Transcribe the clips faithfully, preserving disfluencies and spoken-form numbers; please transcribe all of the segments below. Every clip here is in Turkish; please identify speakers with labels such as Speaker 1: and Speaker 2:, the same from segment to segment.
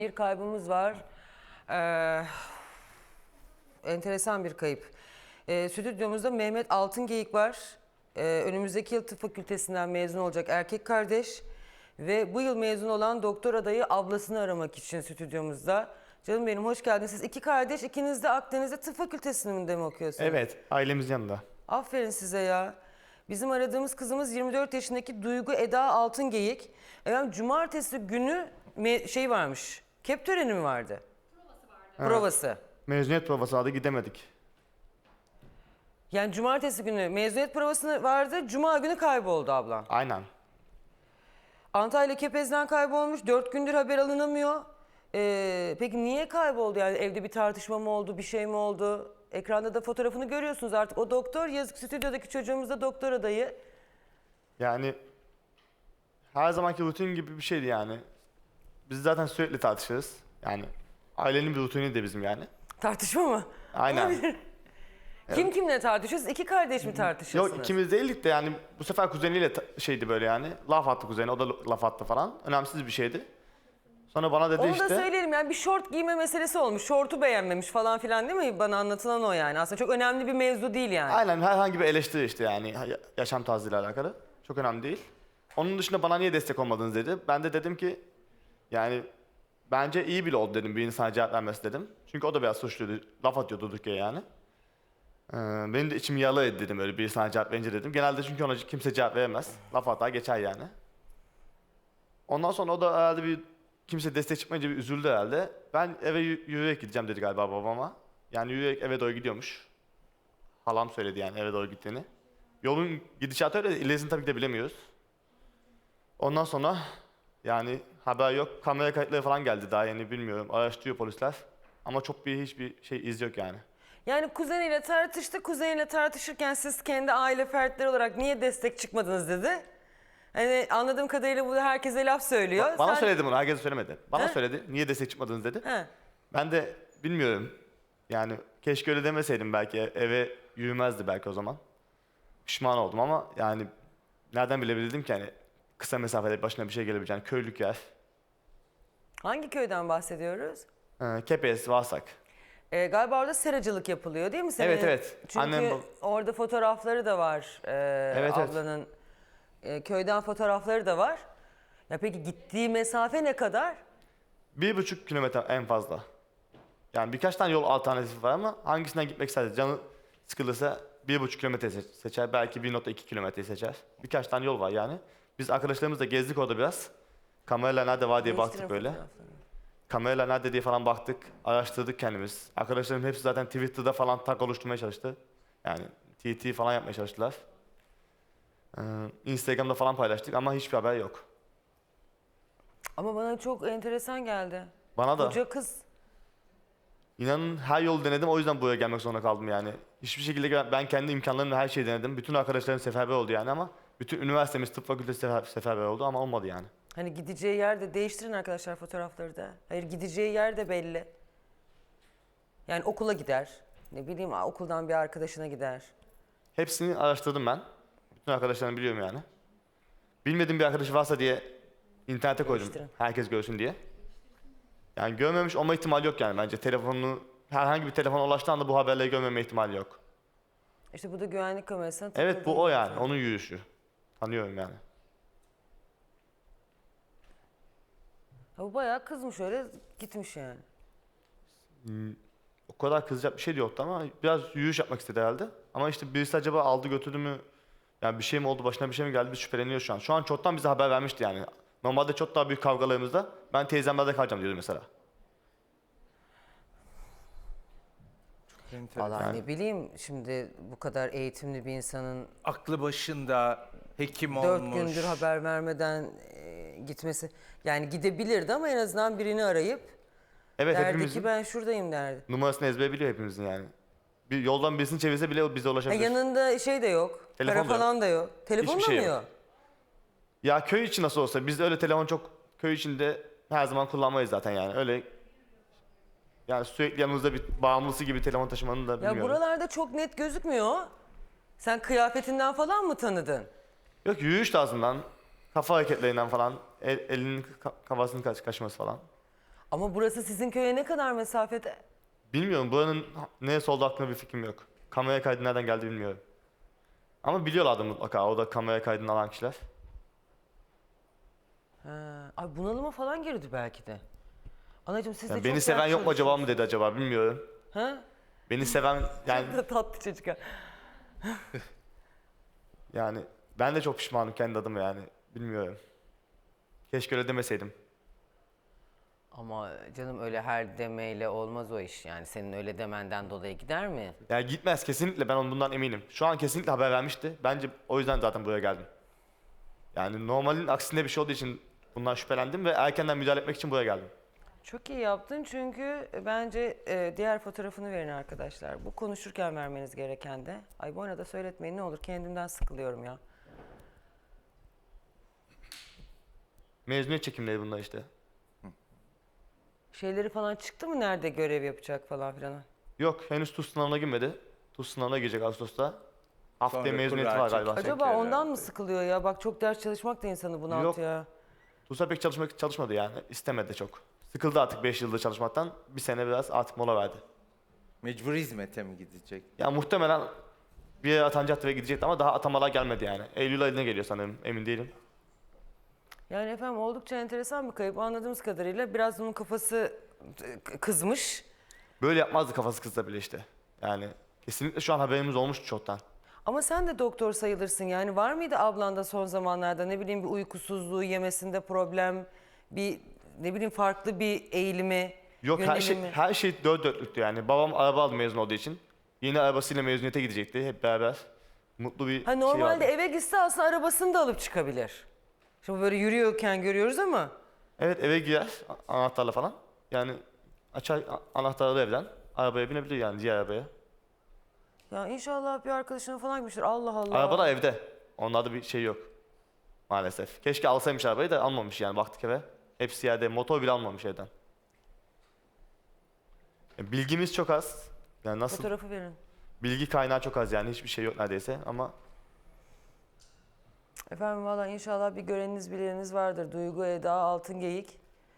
Speaker 1: Bir kaybımız var. Ee, enteresan bir kayıp. Ee, stüdyomuzda Mehmet Altıngeyik var. Ee, önümüzdeki yıl tıp fakültesinden mezun olacak erkek kardeş. Ve bu yıl mezun olan doktor adayı ablasını aramak için stüdyomuzda. Canım benim hoş geldiniz. Siz iki kardeş, ikiniz de Akdeniz'de tıp fakültesinde mi okuyorsunuz?
Speaker 2: Evet, ailemiz yanında.
Speaker 1: Aferin size ya. Bizim aradığımız kızımız yirmi dört yaşındaki Duygu Eda Altıngeyik. Efendim cumartesi günü me- şey varmış. Kep töreni mi vardı? Provası vardı. Provası.
Speaker 2: Mezuniyet provası aldı, gidemedik.
Speaker 1: Yani cumartesi günü mezuniyet provası vardı. Cuma günü kayboldu ablam.
Speaker 2: Aynen.
Speaker 1: Antalya Kepez'den kaybolmuş. Dört gündür haber alınamıyor. Ee, peki niye kayboldu? Yani evde bir tartışma mı oldu? Bir şey mi oldu? Ekranda da fotoğrafını görüyorsunuz artık. O doktor, yazık stüdyodaki çocuğumuz da doktor adayı.
Speaker 2: Yani her zamanki rutin gibi bir şeydi yani. Biz zaten sürekli tartışırız. Yani ailenin bir rutini de bizim yani.
Speaker 1: Tartışma mı?
Speaker 2: Aynen.
Speaker 1: Olabilir. Kim kimle tartışıyorsunuz? İki kardeş mi tartışıyorsunuz?
Speaker 2: Yok ikimiz değildik de yani bu sefer kuzeniyle ta- şeydi böyle yani. Laf attı kuzeni, o da laf attı falan. Önemsiz bir şeydi. Sonra bana dedi
Speaker 1: Onu
Speaker 2: işte.
Speaker 1: da söyleyelim yani bir şort giyme meselesi olmuş. Şortu beğenmemiş falan filan değil mi? Bana anlatılan o yani. Aslında çok önemli bir mevzu değil yani.
Speaker 2: Aynen herhangi bir eleştiri işte yani ya- yaşam tarzıyla alakalı. Çok önemli değil. Onun dışında bana niye destek olmadınız dedi. Ben de dedim ki yani bence iyi bile oldu dedim bir insana cevap vermesi dedim. Çünkü o da biraz suçluydu. Laf atıyordu durduk yere yani. Ee, benim de içim yağlı etti dedim öyle bir insana cevap verince dedim. Genelde çünkü ona kimse cevap veremez. Laf atar geçer yani. Ondan sonra o da herhalde bir kimse destek çıkmayınca bir üzüldü herhalde. Ben eve yü- yürüyerek gideceğim dedi galiba babama. Yani yürüyerek eve doğru gidiyormuş. Halam söyledi yani eve doğru gittiğini. Yolun gidişatı öyle, ilerisini tabii ki de bilemiyoruz. Ondan sonra yani haber yok, kamera kayıtları falan geldi daha yeni bilmiyorum. Araştırıyor polisler. Ama çok bir hiçbir şey iz yok yani.
Speaker 1: Yani kuzeniyle tartıştı. Kuzeniyle tartışırken siz kendi aile fertleri olarak niye destek çıkmadınız dedi. Hani anladığım kadarıyla bu da herkese laf söylüyor.
Speaker 2: Ba- bana
Speaker 1: Sen-
Speaker 2: söyledi bunu, herkese söylemedi. Bana
Speaker 1: He?
Speaker 2: söyledi, niye destek çıkmadınız dedi.
Speaker 1: He.
Speaker 2: Ben de bilmiyorum. Yani keşke öyle demeseydim belki e- eve yürümezdi belki o zaman. Pişman oldum ama yani nereden bilebilirdim ki hani kısa mesafede başına bir şey gelebileceğini. Köylük yer.
Speaker 1: Hangi köyden bahsediyoruz?
Speaker 2: Ee, Kepez, Varsak.
Speaker 1: Ee, galiba orada seracılık yapılıyor değil mi senin?
Speaker 2: Evet, evet.
Speaker 1: Çünkü
Speaker 2: Annem bab-
Speaker 1: orada fotoğrafları da var. ee,
Speaker 2: Evet, evet.
Speaker 1: ablanın ee, köyden fotoğrafları da var. Ya peki gittiği mesafe ne kadar?
Speaker 2: Bir buçuk kilometre en fazla. Yani birkaç tane yol alternatifi var ama hangisinden gitmek isterse canı sıkılırsa bir buçuk kilometre se- seçer. Belki bir nokta iki kilometre seçer. Birkaç tane yol var yani. Biz arkadaşlarımızla gezdik orada biraz. Kameralar nerede var diye baktık
Speaker 1: Değiştirin
Speaker 2: böyle.
Speaker 1: fotoğraflarını.
Speaker 2: Kameralar nerede diye falan baktık. Araştırdık kendimiz. Arkadaşlarım hepsi zaten Twitter'da falan tag oluşturmaya çalıştı. Yani T T falan yapmaya çalıştılar. Ee, Instagram'da falan paylaştık ama hiçbir haber yok.
Speaker 1: Ama bana çok enteresan geldi.
Speaker 2: Bana da.
Speaker 1: Koca kız.
Speaker 2: İnanın her yolu denedim o yüzden buraya gelmek zorunda kaldım yani. Hiçbir şekilde ben ben kendi imkanlarımla her şeyi denedim. Bütün arkadaşlarım seferber oldu yani ama bütün üniversitemiz tıp fakültesi sefer, seferber oldu ama olmadı yani.
Speaker 1: Hani gideceği yerde değiştirin arkadaşlar fotoğrafları da. Hayır gideceği yer de belli. Yani okula gider. Ne bileyim okuldan bir arkadaşına gider.
Speaker 2: Hepsini araştırdım ben. Bütün arkadaşlarımı biliyorum yani. Bilmediğim bir arkadaşı varsa diye internete koydum.
Speaker 1: Değiştirin.
Speaker 2: Herkes görsün diye. Yani görmemiş olma ihtimali yok yani bence. Telefonunu herhangi bir telefona ulaştığı anda bu haberleri görmeme ihtimali yok.
Speaker 1: İşte bu da güvenlik kamerasına
Speaker 2: Evet
Speaker 1: tıkladım.
Speaker 2: bu o yani. Onun yürüyüşü. Tanıyorum yani.
Speaker 1: Ha, bu bayağı kızmış öyle gitmiş yani.
Speaker 2: O kadar kızacak bir şey de yoktu ama biraz yürüyüş yapmak istedi herhalde. Ama işte birisi acaba aldı götürdü mü? Yani bir şey mi oldu, başına bir şey mi geldi? Biz şüpheleniyoruz şu an. Şu an çoktan bize haber vermişti yani. Normalde çok daha büyük kavgalarımızda ben teyzemlerde kalacağım diyordu mesela.
Speaker 1: Vallahi
Speaker 2: Yani-
Speaker 1: ne bileyim şimdi bu kadar eğitimli bir insanın
Speaker 3: Aklı başında hekim
Speaker 1: dört
Speaker 3: olmuş.
Speaker 1: gündür haber vermeden e, gitmesi. Yani gidebilirdi ama en azından birini arayıp
Speaker 2: Evet
Speaker 1: derdi
Speaker 2: hepimizin
Speaker 1: ki ben şuradayım derdi.
Speaker 2: numarasını ezbere biliyor hepimizin yani. Bir yoldan birisini çevirse bile bize
Speaker 1: Ha,
Speaker 2: ulaşabilir.
Speaker 1: yanında şey de yok.
Speaker 2: Telefon
Speaker 1: para
Speaker 2: da yok.
Speaker 1: falan da yok. Telefonla
Speaker 2: Hiçbir şey
Speaker 1: mı
Speaker 2: yok.
Speaker 1: yok?
Speaker 2: Ya köy için nasıl olsa biz de öyle telefon çok köy içinde her zaman kullanmayız zaten yani. Öyle yani sürekli yanımızda bir bağımlısı gibi telefon taşımanın da
Speaker 1: Ya
Speaker 2: bilmiyorum.
Speaker 1: buralarda çok net gözükmüyor. Sen kıyafetinden falan mı tanıdın?
Speaker 2: Yok yürüyüş tarzından, kafa hareketlerinden falan, el, elinin ka- kafasını kaç, kaşıması falan.
Speaker 1: Ama burası sizin köye ne kadar mesafede?
Speaker 2: Bilmiyorum buranın neresi olduğu hakkında bir fikrim yok. Kamera kaydı nereden geldi bilmiyorum. Ama biliyorlardı mutlaka o da kamera kaydını alan kişiler.
Speaker 1: Ha, ay bunalıma falan girdi belki de. Anacığım siz de
Speaker 2: Yani
Speaker 1: çok
Speaker 2: beni seven
Speaker 1: dert
Speaker 2: yok mu acaba mı
Speaker 1: çalışıyorsunuz.
Speaker 2: dedi acaba bilmiyorum.
Speaker 1: Ha?
Speaker 2: Beni seven yani
Speaker 1: Çok da tatlı çocuk. ha.
Speaker 2: yani ben de çok pişmanım kendi adıma yani bilmiyorum. Keşke öyle demeseydim.
Speaker 1: Ama canım öyle her demeyle olmaz o iş yani. Senin öyle demenden dolayı gider mi?
Speaker 2: Yani gitmez kesinlikle ben onun bundan eminim. Şu an kesinlikle haber vermişti. Bence o yüzden zaten buraya geldim. Yani normalin aksinde bir şey olduğu için bundan şüphelendim ve erkenden müdahale etmek için buraya geldim.
Speaker 1: Çok iyi yaptın çünkü bence e, diğer fotoğrafını verin arkadaşlar. Bu konuşurken vermeniz gereken de. Ay bu arada söyletmeyin ne olur kendimden sıkılıyorum ya.
Speaker 2: Mezuniyet çekimleri bunlar işte.
Speaker 1: Şeyleri falan çıktı mı nerede görev yapacak falan filan?
Speaker 2: Yok henüz TUS sınavına girmedi. TUS sınavına girecek Ağustos'ta. Haftaya
Speaker 3: Sonra
Speaker 2: mezuniyeti
Speaker 3: kura
Speaker 2: var galiba.
Speaker 3: çekecek.
Speaker 1: Acaba ondan
Speaker 3: herhalde.
Speaker 1: mı sıkılıyor ya? Bak çok ders çalışmak da insanı bunaltıyor. ya.
Speaker 2: TUS'a pek çalışmak çalışmadı yani. İstemedi çok. Sıkıldı artık beş yıldır çalışmaktan. Bir sene biraz artık mola verdi.
Speaker 3: Mecbur hizmete mi gidecek?
Speaker 2: Ya muhtemelen bir yere atanacaktı ve gidecekti ama daha atamalar gelmedi yani. Eylül ayına geliyor sanırım emin değilim.
Speaker 1: Yani efendim oldukça enteresan bir kayıp. Anladığımız kadarıyla biraz onun kafası e, k- kızmış.
Speaker 2: Böyle yapmazdı kafası kızla bile işte. Yani kesinlikle şu an haberimiz olmuştu çoktan.
Speaker 1: Ama sen de doktor sayılırsın yani. Var mıydı ablanda son zamanlarda ne bileyim bir uykusuzluğu, yemesinde problem, bir ne bileyim farklı bir eğilimi,
Speaker 2: Yok her şey,
Speaker 1: yönelimi?
Speaker 2: her şey dört dörtlüktü yani. Babam araba aldı mezun olduğu için. Yeni arabasıyla mezuniyete gidecekti hep beraber. Mutlu bir
Speaker 1: Ha
Speaker 2: şey
Speaker 1: normalde
Speaker 2: vardı.
Speaker 1: eve gitse aslında arabasını da alıp çıkabilir. Şimdi böyle yürüyorken görüyoruz ama
Speaker 2: Evet eve girer a- anahtarla falan. Yani açar a- anahtarı evden. Arabaya binebilir yani diğer arabaya.
Speaker 1: ya inşallah bir arkadaşına falan gitmiştir. Allah Allah.
Speaker 2: Araba da evde. Onlarda bir şey yok. Maalesef. Keşke alsaymış arabayı da almamış yani baktık eve. Hepsi yerde. Motor bile almamış evden. Yani bilgimiz çok az. Yani nasıl?
Speaker 1: Fotoğrafı verin.
Speaker 2: Bilgi kaynağı çok az yani. Hiçbir şey yok neredeyse ama
Speaker 1: Efendim valla inşallah bir göreniniz bileniniz vardır. Duygu Eda Altıngeyik.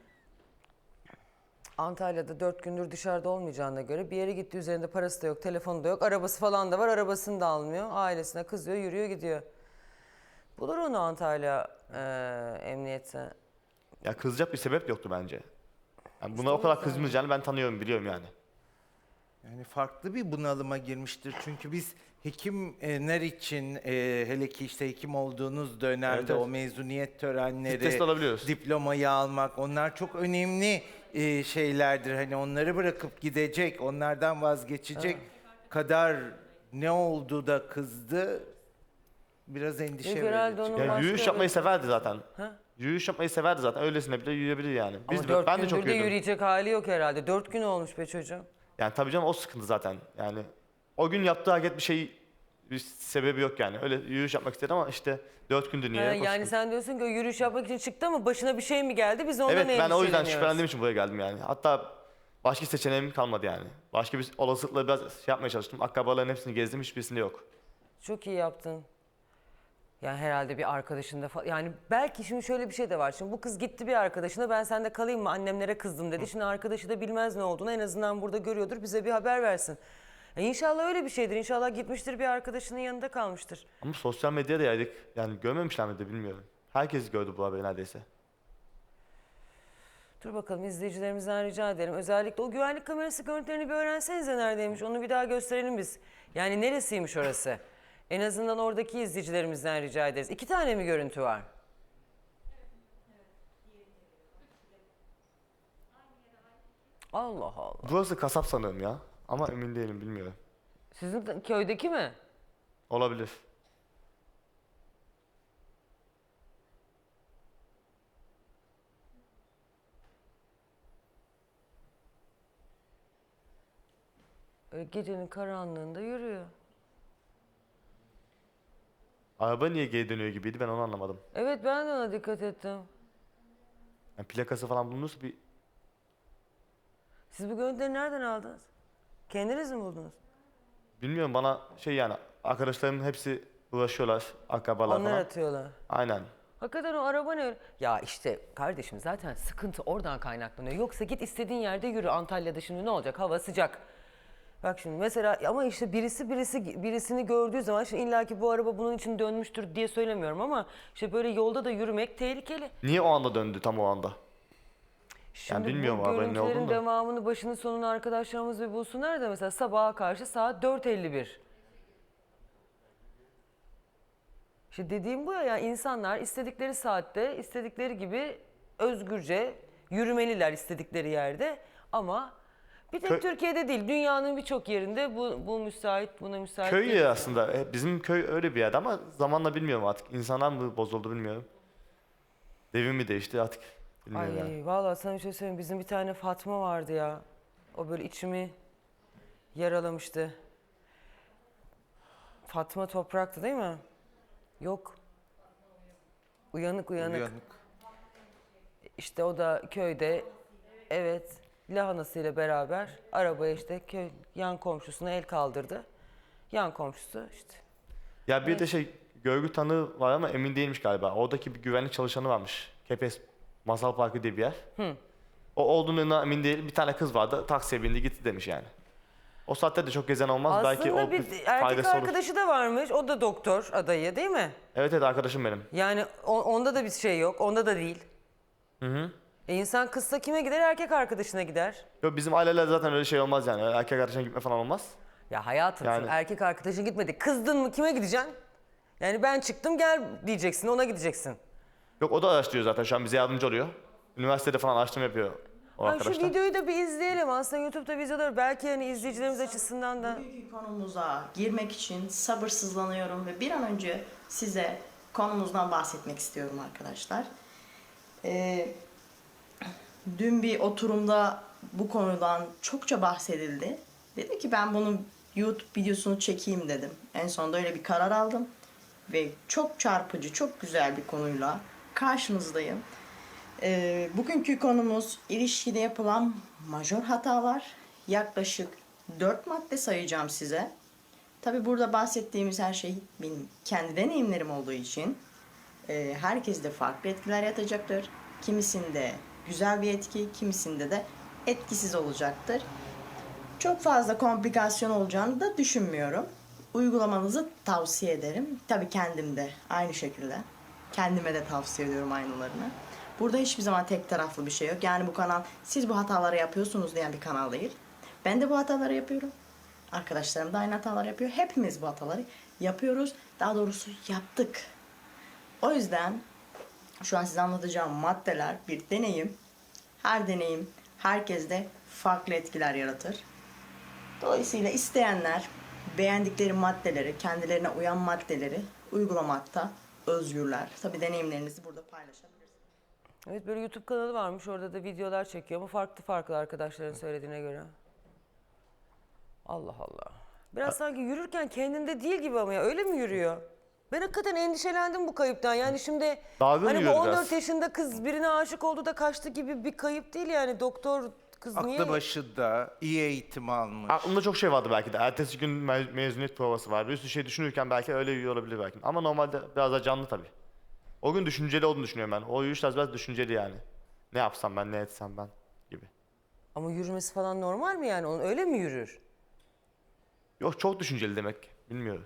Speaker 1: Antalya'da dört gündür dışarıda olmayacağına göre bir yere gitti üzerinde parası da yok, telefonu da yok, arabası falan da var, arabasını da almıyor. Ailesine kızıyor, yürüyor gidiyor. Bulur onu Antalya eee emniyete.
Speaker 2: ya kızacak bir sebep yoktu bence. Yani buna
Speaker 1: İşte
Speaker 2: o
Speaker 1: o
Speaker 2: kadar
Speaker 1: yüzden.
Speaker 2: kızmayacağını ben tanıyorum, biliyorum yani.
Speaker 3: Yani farklı bir bunalıma girmiştir. Çünkü biz hekimler için e, hele ki işte hekim olduğunuz dönemde
Speaker 2: Evet, evet.
Speaker 3: o mezuniyet törenleri,
Speaker 2: Stresli olabiliyoruz.
Speaker 3: diplomayı almak onlar çok önemli e, şeylerdir. Hani onları bırakıp gidecek, onlardan vazgeçecek kadar ne oldu da kızdı biraz endişe
Speaker 1: Yok, herhalde
Speaker 3: verici.
Speaker 1: onun
Speaker 2: Ya
Speaker 1: başka
Speaker 2: yürüyüş yapmayı
Speaker 1: evet.
Speaker 2: severdi zaten.
Speaker 1: Ha?
Speaker 2: Yürüyüş yapmayı severdi zaten. Öylesine bile yürüyebilir yani. Biz
Speaker 1: Ama
Speaker 2: de,
Speaker 1: dört
Speaker 2: ben de
Speaker 1: gündür
Speaker 2: çok
Speaker 1: de
Speaker 2: yürüdüm.
Speaker 1: yürüyecek hali yok herhalde. Dört gün olmuş be çocuğum.
Speaker 2: Yani tabii canım o sıkıntı zaten. Yani o gün yaptığı hareket bir şey bir sebebi yok yani. Öyle yürüyüş yapmak istedi ama işte dört gündür niye
Speaker 1: Ha,
Speaker 2: yok o
Speaker 1: yani
Speaker 2: sıkıntı.
Speaker 1: sen diyorsun ki o yürüyüş yapmak için çıktı ama başına bir şey mi geldi? Biz ondan
Speaker 2: Evet ben o yüzden
Speaker 1: endişeleniyoruz.
Speaker 2: şüphelendiğim için buraya geldim yani. Hatta başka seçeneğim kalmadı yani. Başka bir olasılıkla biraz şey yapmaya çalıştım. Akrabaların hepsini gezdim, hiçbirisinde yok.
Speaker 1: Çok iyi yaptın. Yani herhalde bir arkadaşında falan. Yani belki şimdi şöyle bir şey de var. Şimdi bu kız gitti bir arkadaşına ben sende kalayım mı annemlere kızdım dedi. Şimdi arkadaşı da bilmez ne olduğunu en azından burada görüyordur bize bir haber versin. E İnşallah öyle bir şeydir. İnşallah gitmiştir bir arkadaşının yanında kalmıştır.
Speaker 2: Ama sosyal medyada yaydık. Yani görmemişler miydi bilmiyorum. Herkes gördü bu haberi neredeyse.
Speaker 1: Dur bakalım izleyicilerimizden rica ederim. Özellikle o güvenlik kamerası görüntülerini bir öğrensenize neredeymiş. Onu bir daha gösterelim biz. Yani neresiymiş orası? En azından oradaki izleyicilerimizden rica ederiz. İki tane mi görüntü var? Allah Allah.
Speaker 2: Burası kasap sanırım ya. Ama emin değilim, bilmiyorum.
Speaker 1: Sizin de- köydeki mi?
Speaker 2: Olabilir.
Speaker 1: Öyle gecenin karanlığında yürüyor.
Speaker 2: Araba niye geri dönüyor gibiydi, ben onu anlamadım.
Speaker 1: Evet ben de ona dikkat ettim.
Speaker 2: Yani plakası falan bulunursa bir...
Speaker 1: Siz bu görüntüleri nereden aldınız? Kendiniz mi buldunuz?
Speaker 2: Bilmiyorum, bana şey yani arkadaşlarımın hepsi uğraşıyorlar, akrabalar
Speaker 1: Onlar
Speaker 2: falan.
Speaker 1: atıyorlar.
Speaker 2: Aynen.
Speaker 1: Hakikaten o araba ne? Ya işte kardeşim zaten sıkıntı oradan kaynaklanıyor. Yoksa git istediğin yerde yürü. Antalya'da şimdi ne olacak? Hava sıcak. Bak şimdi mesela ama işte birisi birisi birisini gördüğü zaman şimdi illaki bu araba bunun için dönmüştür diye söylemiyorum ama işte böyle yolda da yürümek tehlikeli.
Speaker 2: Niye o anda döndü tam o anda?
Speaker 1: Şimdi
Speaker 2: bilmiyorum
Speaker 1: bu
Speaker 2: arabanın ne
Speaker 1: görüntülerin
Speaker 2: olduğunu da.
Speaker 1: devamını başını sonunu arkadaşlarımız bir bulsunlar da mesela sabaha karşı saat dört elli bir. İşte dediğim bu ya, yani insanlar istedikleri saatte istedikleri gibi özgürce yürümeliler istedikleri yerde ama bir tek
Speaker 2: Kö-
Speaker 1: Türkiye'de değil dünyanın birçok yerinde bu, bu müsait buna müsait
Speaker 2: Köy
Speaker 1: değil.
Speaker 2: ya aslında. E, Bizim köy öyle bir yerde ama zamanla bilmiyorum artık. İnsanlar mı bozuldu bilmiyorum. Devir mi değişti artık bilmiyorum
Speaker 1: Ay
Speaker 2: yani.
Speaker 1: vallahi sana bir şey söyleyeyim, bizim bir tane Fatma vardı ya, o böyle içimi yaralamıştı. Fatma Toprak'tı değil mi? Yok. Uyanık uyanık.
Speaker 3: Uyanık.
Speaker 1: İşte o da köyde, evet, lahanasıyla beraber arabaya işte köy yan komşusuna el kaldırdı. Yan komşusu işte.
Speaker 2: Ya bir de şey görgü tanığı var ama emin değilmiş galiba. Oradaki bir güvenlik çalışanı varmış. Kepes Masal Parkı diye bir yer. O olduğuna emin değil. Bir tane kız vardı. Taksiye bindi gitti demiş yani. O saatte de çok gezen olmaz.
Speaker 1: Aslında
Speaker 2: Belki o
Speaker 1: bir
Speaker 2: bir
Speaker 1: erkek
Speaker 2: faydası olur.
Speaker 1: arkadaşı da varmış. O da doktor adayı değil mi?
Speaker 2: Evet evet arkadaşım benim.
Speaker 1: Yani o- onda da bir şey yok. Onda da değil.
Speaker 2: Hı hı.
Speaker 1: E insan kızsa kime gider? Erkek arkadaşına gider.
Speaker 2: Yok bizim aileler zaten öyle şey olmaz yani. Öyle erkek arkadaşına gitme falan olmaz.
Speaker 1: Ya hayatım
Speaker 2: Yani-
Speaker 1: şimdi erkek arkadaşın gitmedi. Kızdın mı kime gideceksin? Yani ben çıktım gel diyeceksin, ona gideceksin.
Speaker 2: Yok o da araştırıyor zaten şu an bize yardımcı oluyor. Üniversitede falan araştırma yapıyor o
Speaker 1: Ay şu
Speaker 2: arkadaşlar.
Speaker 1: videoyu da bir izleyelim. Aslında YouTube'da videolar belki hani izleyicilerimiz açısından da.
Speaker 4: Bugünkü konumuza girmek için sabırsızlanıyorum ve bir an önce size konumuzdan bahsetmek istiyorum arkadaşlar. Ee, dün bir oturumda bu konudan çokça bahsedildi. Dedim ki ben bunun YouTube videosunu çekeyim dedim. En sonunda öyle bir karar aldım. Ve çok çarpıcı, çok güzel bir konuyla karşınızdayım. Ee, bugünkü konumuz ilişkide yapılan majör hatalar. Yaklaşık dört madde sayacağım size. Tabi burada bahsettiğimiz her şey benim kendi deneyimlerim olduğu için e, herkeste farklı etkiler yatacaktır. Kimisinde güzel bir etki, kimisinde de etkisiz olacaktır. Çok fazla komplikasyon olacağını da düşünmüyorum. Uygulamanızı tavsiye ederim. Tabii kendim de aynı şekilde. Kendime de tavsiye ediyorum aynılarını. Burada hiçbir zaman tek taraflı bir şey yok. Yani bu kanal siz bu hataları yapıyorsunuz diyen bir kanal değil. Ben de bu hataları yapıyorum. Arkadaşlarım da aynı hatalar yapıyor. Hepimiz bu hataları yapıyoruz. Daha doğrusu yaptık. O yüzden şu an size anlatacağım maddeler bir deneyim. Her deneyim herkeste farklı etkiler yaratır. Dolayısıyla isteyenler beğendikleri maddeleri, kendilerine uyan maddeleri uygulamakta özgürler. Tabii deneyimlerinizi burada paylaşabilirsiniz.
Speaker 1: Evet böyle YouTube kanalı varmış, orada da videolar çekiyor ama farklı farklı arkadaşların söylediğine göre. Allah Allah. Biraz sanki yürürken kendinde değil gibi ama ya, öyle mi yürüyor? Ben hakikaten endişelendim bu kayıptan. Yani şimdi
Speaker 2: Dalgın
Speaker 1: hani bu
Speaker 2: yürüyor
Speaker 1: on dört
Speaker 2: biraz.
Speaker 1: yaşında kız birine aşık oldu da kaçtı gibi bir kayıp değil yani. Doktor kız niye?
Speaker 3: Aklı başında, iyi eğitim almış.
Speaker 2: Aklımda çok şey vardı belki de. Ertesi gün me- mezuniyet provası var. Bir sürü şey düşünürken belki öyle yürüyor olabilir belki. Ama normalde biraz daha canlı tabii. O gün düşünceli olduğunu düşünüyorum ben. O yürüyüş tarzı biraz düşünceli yani. Ne yapsam ben, ne etsem ben gibi.
Speaker 1: Ama yürümesi falan normal mi yani? Onun öyle mi yürür?
Speaker 2: Yok çok düşünceli demek. Bilmiyorum.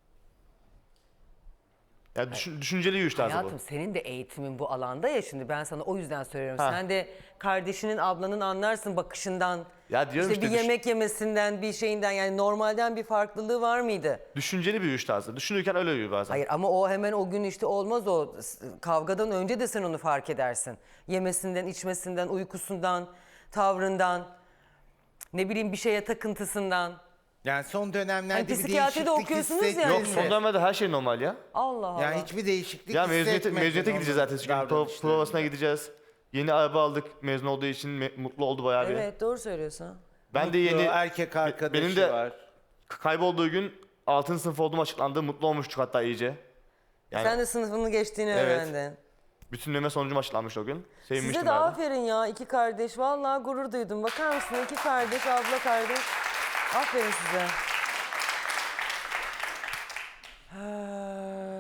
Speaker 2: Ya düşün, düşünceli yürüyüş tarzı
Speaker 1: Hayatım
Speaker 2: bu.
Speaker 1: senin de eğitimin bu alanda ya, şimdi ben sana o yüzden söylüyorum.
Speaker 2: Ha.
Speaker 1: Sen de kardeşinin, ablanın anlarsın bakışından.
Speaker 2: Ya diyorum
Speaker 1: işte,
Speaker 2: işte
Speaker 1: bir
Speaker 2: düş-
Speaker 1: yemek yemesinden, bir şeyinden, yani normalden bir farklılığı var mıydı?
Speaker 2: Düşünceli bir yürüyüş tarzı. Düşünürken öyle yürüyor bazen.
Speaker 1: Hayır ama o hemen o gün işte olmaz o. Kavgadan önce de sen onu fark edersin. Yemesinden, içmesinden, uykusundan, tavrından, ne bileyim bir şeye takıntısından.
Speaker 3: Yani son dönemlerde
Speaker 1: Hani
Speaker 3: bir
Speaker 1: psikiyatride
Speaker 3: değişiklik
Speaker 1: okuyorsunuz ya.
Speaker 3: hissettin
Speaker 1: Yok,
Speaker 2: Yok
Speaker 3: mi?
Speaker 2: son dönemde her şey normal ya.
Speaker 1: Allah Allah.
Speaker 3: Yani hiçbir değişiklik
Speaker 2: Ya mezuniyete,
Speaker 3: hissetmedin
Speaker 2: mezuniyete
Speaker 3: onun
Speaker 2: gideceğiz zaten. Çünkü pro-
Speaker 3: davranışlarında.
Speaker 2: provasına gideceğiz. Yeni araba aldık mezun olduğu için me- mutlu oldu bayağı bir.
Speaker 1: Evet doğru söylüyorsun.
Speaker 2: Ben de
Speaker 3: Mutlu,
Speaker 2: yeni
Speaker 3: erkek arkadaşı
Speaker 2: benim de
Speaker 3: var.
Speaker 2: kaybolduğu gün altıncı sınıf olduğum açıklandı. Mutlu olmuştuk hatta iyice. Yani
Speaker 1: Sen de sınıfını geçtiğini
Speaker 2: Evet.
Speaker 1: öğrendin.
Speaker 2: bütünleme sonucum açıklanmıştı o gün. Sevinmiştim
Speaker 1: Size de
Speaker 2: bayağı.
Speaker 1: aferin ya, iki kardeş. Vallahi gurur duydum. Bakar mısın, iki kardeş, abla kardeş. Aferin size. Ha, bak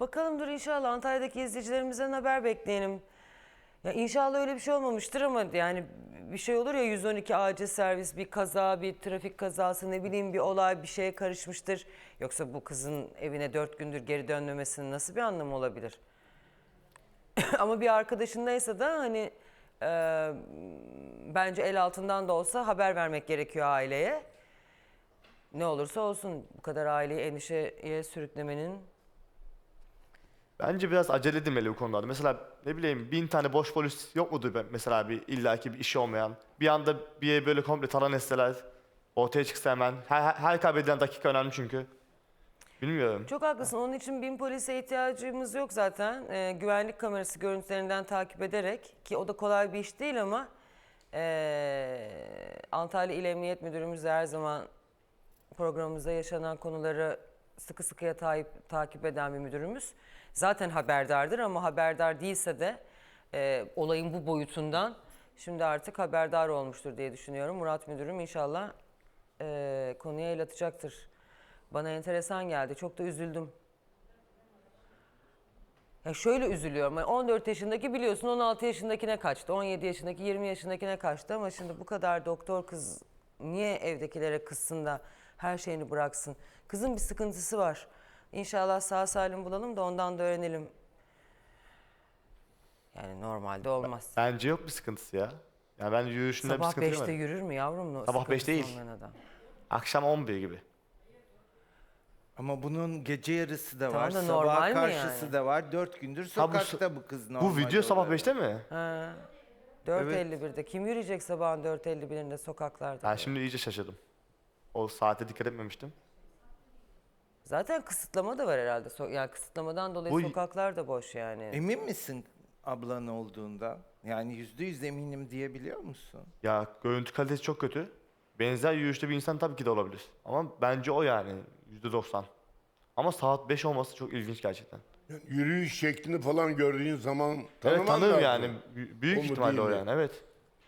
Speaker 1: Bakalım dur inşallah Antalya'daki izleyicilerimizden haber bekleyelim. Ya inşallah öyle bir şey olmamıştır ama yani bir şey olur ya yüz on iki acil servis, bir kaza, bir trafik kazası, ne bileyim bir olay, bir şeye karışmıştır. Yoksa bu kızın evine dört gündür geri dönmemesinin nasıl bir anlamı olabilir? Ama bir arkadaşındaysa da hani e, bence el altından da olsa haber vermek gerekiyor aileye. Ne olursa olsun bu kadar aileyi endişeye sürüklemenin...
Speaker 2: Bence biraz acele edilmeli bu konularda. Mesela ne bileyim bin tane boş polis yok mudur be- mesela bir illaki bir işi olmayan. Bir anda bir yere böyle komple talan etseler ortaya çıksa hemen. Her, her, her kaybedilen dakika önemli çünkü. Bilmiyorum.
Speaker 1: Çok haklısın. Onun için bin polise ihtiyacımız yok zaten. Ee, güvenlik kamerası görüntülerinden takip ederek, ki o da kolay bir iş değil ama ee, Antalya İl Emniyet Müdürümüz de her zaman programımızda yaşanan konuları sıkı sıkıya ta- takip eden bir müdürümüz. Zaten haberdardır ama haberdar değilse de e, olayın bu boyutundan şimdi artık haberdar olmuştur diye düşünüyorum. Murat Müdürüm inşallah e, konuya el atacaktır. Bana enteresan geldi. Çok da üzüldüm. Ya şöyle üzülüyorum. Yani on dört yaşındaki biliyorsun on altı yaşındakine kaçtı. on yedi yaşındaki yirmi yaşındakine kaçtı ama şimdi bu kadar doktor kız niye evdekilere kızsın da her şeyini bıraksın? Kızın bir sıkıntısı var. İnşallah sağ salim bulalım da ondan da öğrenelim. Yani normalde olmaz.
Speaker 2: Bence yok bir sıkıntısı ya. Ya ben yürüyüşünde bir
Speaker 1: Sabah
Speaker 2: sıkıntı
Speaker 1: beşte
Speaker 2: görmedim.
Speaker 1: yürür mü yavrum?
Speaker 2: Sabah beş
Speaker 1: Sıkıntısı
Speaker 2: değil.
Speaker 1: olmayan adam.
Speaker 2: Akşam on bir gibi.
Speaker 3: Ama bunun gece yarısı da
Speaker 1: Tamam
Speaker 3: var,
Speaker 1: da normal
Speaker 3: sabah
Speaker 1: mi
Speaker 3: karşısı
Speaker 1: yani?
Speaker 3: da var. Dört gündür
Speaker 2: Ha, bu
Speaker 3: sokakta bu, kız normal
Speaker 2: Bu video sabah
Speaker 3: olarak.
Speaker 2: beşte mi?
Speaker 1: Ha. dört elli birde. Kim yürüyecek sabahın dört elli birinde sokaklarda?
Speaker 2: Ben şimdi iyice şaşırdım. O saate dikkat etmemiştim.
Speaker 1: Zaten kısıtlama da var herhalde. So- Yani kısıtlamadan dolayı
Speaker 2: Bu-
Speaker 1: sokaklar da boş yani.
Speaker 3: Emin misin ablan olduğundan? Yani yüzde yüz eminim diyebiliyor musun?
Speaker 2: Ya görüntü kalitesi çok kötü. Benzer yürüyüşte bir insan tabii ki de olabilir. Ama bence o yani yüzde doksan. Ama saat beş olması çok ilginç gerçekten.
Speaker 5: Yani yürüyüş şeklini falan gördüğün zaman tanıman
Speaker 2: Evet tanırım
Speaker 5: lazım.
Speaker 2: yani. B- büyük
Speaker 5: O mu
Speaker 2: ihtimalle o
Speaker 5: değil mi?
Speaker 2: yani evet.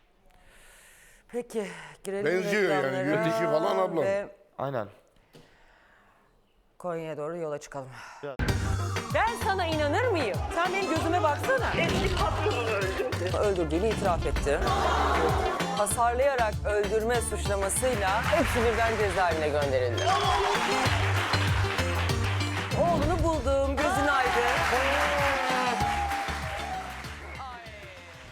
Speaker 1: Peki girelim
Speaker 5: Benziyor yani,
Speaker 1: reklamlara
Speaker 5: yürüyüşü falan ablam.
Speaker 1: ve
Speaker 2: Aynen.
Speaker 1: Konya'ya doğru yola çıkalım.
Speaker 2: Ya-
Speaker 1: Ben sana inanır mıyım? Sen benim gözüme baksana.
Speaker 6: Eski patronunu öldürdü.
Speaker 1: Öldürdüğünü itiraf etti. Hasarlayarak öldürme suçlamasıyla hepsi birden cezaevine gönderildi. Oğlunu buldum, gözün aydın.